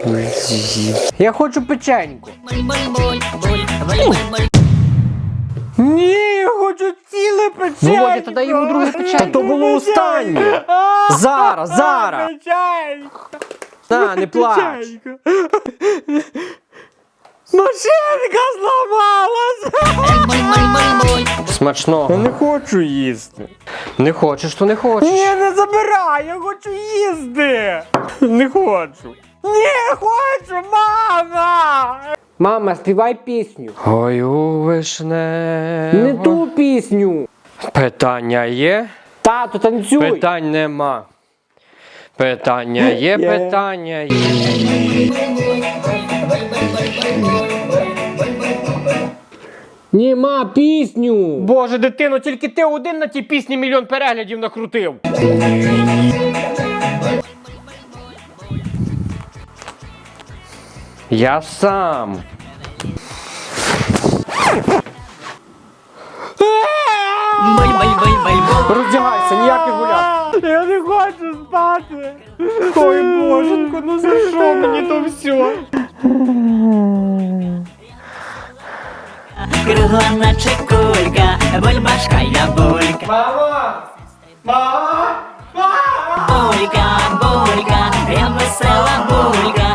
Я хочу печеньку. Ні, я хочу ціле печенько. Володя, та дай йому друге печенько. Та то було останнє. Зараз. Печенько. На, не плач. Машинка зламалась. Смачного. Я не хочу їсти. Не хочеш, то не хочеш. Ні, не забирай, я хочу їсти. Не хочу. Ні, хочу, мама. Мама, співай пісню. Ой, у вишне. Не ту пісню. Питання є? Тату, танцюй. Питань нема. Питання є, питання є. Нема пісню. Боже, дитино, тільки ти один на тій пісні мільйон переглядів накрутив. Я сам. Роздягайся, ніяких гулят. Я не хочу спати. Ой, боженько, ну за що мені то все? Кругла наче кулька, бульбашка я булька. Мама! Мама! Булька, булька, я весела булька.